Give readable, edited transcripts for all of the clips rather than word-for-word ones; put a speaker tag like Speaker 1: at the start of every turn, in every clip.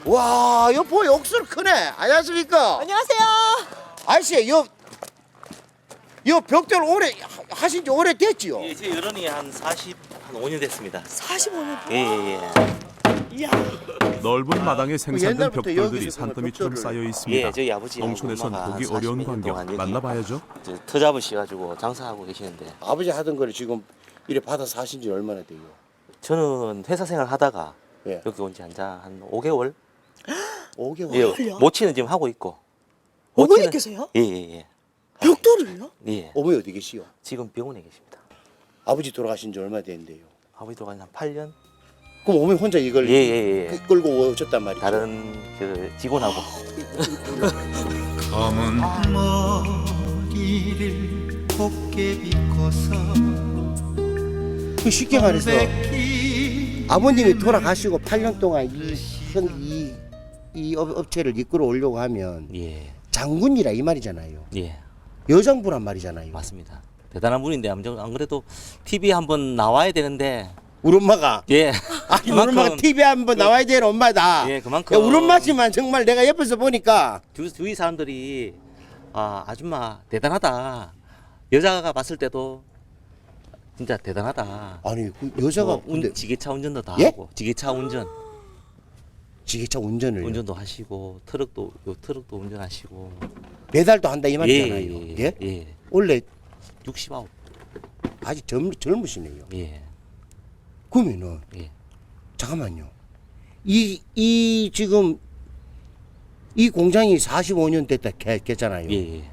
Speaker 1: 와, 여보 욕설 크네. 안녕하십니까?
Speaker 2: 안녕하세요.
Speaker 1: 아저씨, 요 벽돌 오래 하신 지 오래 됐지요?
Speaker 3: 예, 제 여론이 한 5년 됐습니다.
Speaker 2: 45년.
Speaker 3: 예.
Speaker 2: 이야.
Speaker 4: 넓은 마당에 생산된
Speaker 1: 옛날부터
Speaker 4: 벽돌들이
Speaker 1: 여기서
Speaker 4: 산더미처럼
Speaker 1: 벽돌을-
Speaker 4: 쌓여 있습니다.
Speaker 3: 예, 저희 아버지
Speaker 4: 농촌에선 보기 어려운 광경 만나봐야죠.
Speaker 3: 터 잡으셔가지고 장사하고 계시는데
Speaker 1: 아버지 하던 거를 지금 이래 받아 사신 지 얼마나 돼요?
Speaker 3: 저는 회사 생활 하다가
Speaker 1: 예.
Speaker 3: 여기 온 지 한 5개월.
Speaker 1: 5개월.
Speaker 3: 예,
Speaker 2: 그래요?
Speaker 3: 모치는 지금 하고 있고.
Speaker 2: 어머니께서요?
Speaker 3: 예.
Speaker 2: 벽돌을요?
Speaker 3: 예.
Speaker 1: 어머니 어디 계시요?
Speaker 3: 지금 병원에 계십니다.
Speaker 1: 아버지 돌아가신 지 얼마 됐는데요?
Speaker 3: 아버지 돌아간 지 한 8년.
Speaker 1: 그럼 어머니 혼자 이걸
Speaker 3: 예.
Speaker 1: 끌고 오셨단 말이죠?
Speaker 3: 다른 그 직원하고.
Speaker 5: 검은 머리를 곱게 빗고서
Speaker 1: 그 쉽게 말해서
Speaker 5: 백기
Speaker 1: 아버님이 돌아가시고 8년 동안 이 업체를 이끌어 오려고 하면
Speaker 3: 예.
Speaker 1: 장군이라 이 말이잖아요.
Speaker 3: 예.
Speaker 1: 여장부란 말이잖아요.
Speaker 3: 맞습니다. 대단한 분인데 안 그래도 TV에 한번 나와야 되는데
Speaker 1: 우리 엄마가
Speaker 3: 예.
Speaker 1: 아니 우리 엄마가 TV에 한번 나와야 되는 엄마다.
Speaker 3: 예, 그만큼
Speaker 1: 야, 우리 엄마지만 정말 내가 옆에서 보니까
Speaker 3: 주위 사람들이 아줌마 대단하다. 여자가 봤을 때도 진짜 대단하다.
Speaker 1: 아니 그 여자가 근데
Speaker 3: 지게차 운전도 다
Speaker 1: 예?
Speaker 3: 하고 지게차
Speaker 1: 지게차 운전을
Speaker 3: 운전도 하시고 트럭도 운전하시고
Speaker 1: 배달도 한다 이 말이잖아요. 예?
Speaker 3: 예.
Speaker 1: 원래
Speaker 3: 69.
Speaker 1: 아직 젊으시네요.
Speaker 3: 예.
Speaker 1: 그러면은
Speaker 3: 예.
Speaker 1: 잠깐만요. 이 지금 이 공장이 45년 됐다 했잖아요.
Speaker 3: 예.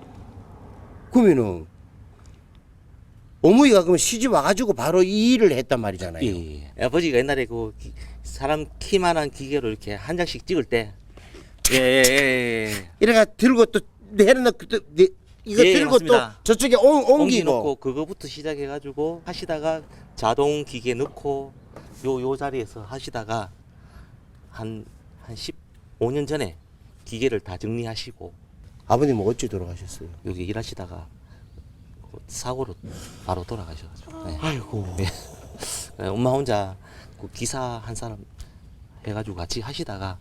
Speaker 1: 그러면은 어머니가 그러면 시집 와가지고 바로 이 일을 했단 말이잖아요.
Speaker 3: 예. 아버지가 옛날에 그 사람 키만한 기계로 이렇게 한 장씩 찍을 때 예.
Speaker 1: 이래가 들고 또 내려놓 이거
Speaker 3: 예,
Speaker 1: 들고
Speaker 3: 맞습니다.
Speaker 1: 또 저쪽에 옮기고
Speaker 3: 옮기놓고 그거부터 시작해가지고 하시다가 자동 기계 넣고 요 자리에서 하시다가 한 15년 전에 기계를 다 정리하시고
Speaker 1: 아버님은 어찌 돌아가셨어요?
Speaker 3: 여기 일하시다가 사고로 바로 돌아가셔가지고 네.
Speaker 1: 아이고.
Speaker 3: 네, 엄마 혼자 그 기사 한 사람 해가지고 같이 하시다가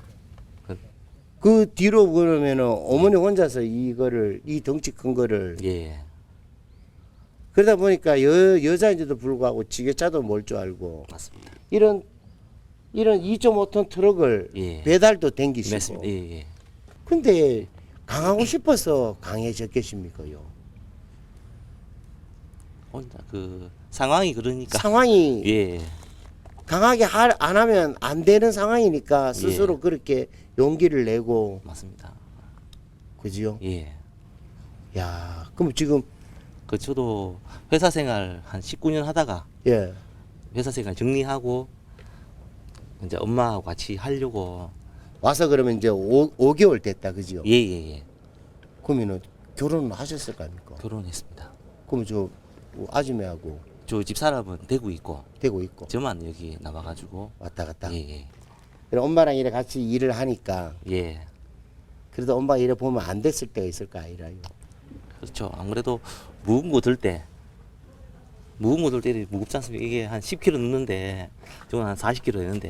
Speaker 1: 그 뒤로 그러면은 어머니 혼자서 이거를 이 덩치 큰 거를
Speaker 3: 예
Speaker 1: 그러다 보니까 여자인데도 불구하고 지게차도 몰 줄 알고
Speaker 3: 맞습니다.
Speaker 1: 이런 2.5톤 트럭을
Speaker 3: 예.
Speaker 1: 배달도 댕기시고.
Speaker 3: 맞습니다. 예.
Speaker 1: 근데 강하고 싶어서 강해졌겠습니까요?
Speaker 3: 혼자 그 상황이 그러니까
Speaker 1: 상황이
Speaker 3: 예
Speaker 1: 강하게 안 하면 안 되는 상황이니까 스스로
Speaker 3: 예.
Speaker 1: 그렇게 용기를 내고
Speaker 3: 맞습니다.
Speaker 1: 그지요?
Speaker 3: 예.
Speaker 1: 야, 그럼 지금
Speaker 3: 그 저도 회사 생활 한 19년 하다가
Speaker 1: 예.
Speaker 3: 회사 생활 정리하고 이제 엄마하고 같이 하려고
Speaker 1: 와서 그러면 이제 5개월 됐다 그지요?
Speaker 3: 예.
Speaker 1: 그러면은 결혼을 하셨을 거 아닙니까?
Speaker 3: 결혼했습니다.
Speaker 1: 그러면 저 아줌매하고
Speaker 3: 저 집사람은 대구 있고
Speaker 1: 되고 있고
Speaker 3: 저만 여기 나와가지고
Speaker 1: 왔다 갔다.
Speaker 3: 예.
Speaker 1: 그럼 엄마랑 이래 같이 일을 하니까
Speaker 3: 예.
Speaker 1: 그래도 엄마가 이래 보면 안 됐을 때가 있을까 아니라요.
Speaker 3: 그렇죠. 안 그래도 무거운 거 들 때 무겁지 않습니까? 이게 한 10kg 넣는데 저건 한 40kg 되는데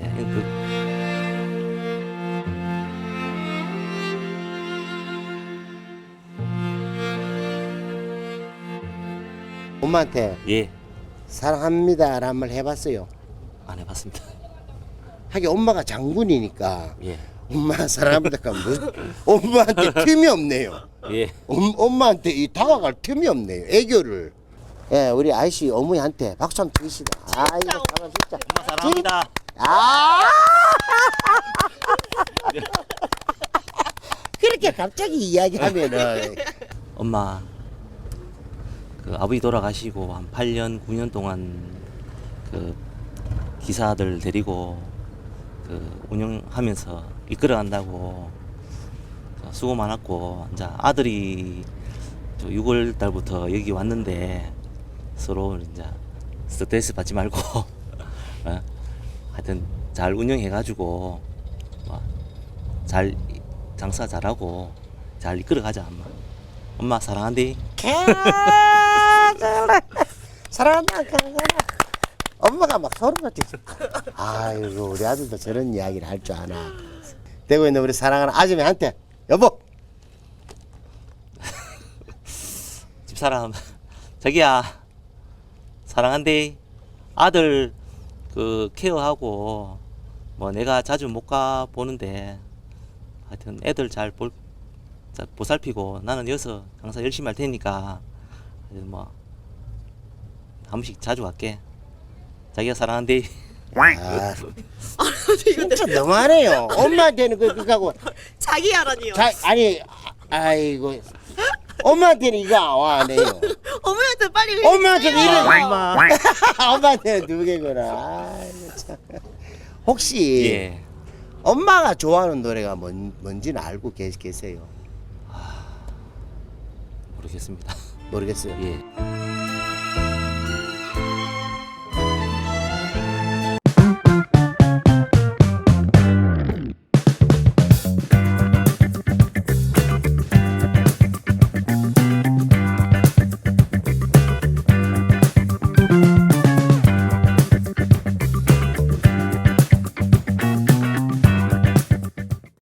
Speaker 1: 엄마한테
Speaker 3: 예.
Speaker 1: 사랑합니다라는 말 해봤어요.
Speaker 3: 안 해봤습니다.
Speaker 1: 하긴 엄마가 장군이니까
Speaker 3: 예.
Speaker 1: 엄마 사랑합니다. 엄마한테 틈이 없네요.
Speaker 3: 예.
Speaker 1: 엄마한테 이 다가갈 틈이 없네요. 애교를. 예, 우리 아이씨 어머니한테 박수 한번 드리시다. 아, 이거 사람 진짜.
Speaker 3: 엄마 사랑합니다.
Speaker 1: 아! 그렇게 갑자기 이야기하면은
Speaker 3: 엄마 그 아버지 돌아가시고 한 8년 9년 동안 그 기사들 데리고 그 운영하면서 이끌어간다고 수고 많았고 이제 아들이 6월 달부터 여기 왔는데 서로 이제 스트레스 받지 말고 하여튼 잘 운영해가지고 잘 장사 잘하고 잘 이끌어가자 엄마. 엄마 사랑한대.
Speaker 1: 사랑한다. 엄마 엄마가 막 소름 돋지. 아이고 우리 아들도 저런 이야기를 할 줄 아나. 되고 있는 우리 사랑하는 아줌마한테 여보.
Speaker 3: 집사람 자기야 사랑한대. 아들 그 케어하고 뭐 내가 자주 못 가 보는데 하여튼 애들 잘 보살피고 나는 여기서 항상 열심히 할 테니까 하여튼 뭐 한 번씩 자주 갈게. 자기가 사랑한대.
Speaker 1: 아, 진짜 너무하네요. 엄마한테는 그거하고
Speaker 2: 자기 하라니요.
Speaker 1: 아니 아이고 엄마한테는 이거 안 해요.
Speaker 2: 어머니한테 빨리
Speaker 1: 엄마한테
Speaker 2: 해주세요.
Speaker 1: 이런 엄마한테는 두 개구나. 아이고, 참. 혹시
Speaker 3: 예.
Speaker 1: 엄마가 좋아하는 노래가 뭔지는 알고 계세요?
Speaker 3: 모르겠습니다.
Speaker 1: 모르겠어요.
Speaker 3: 예.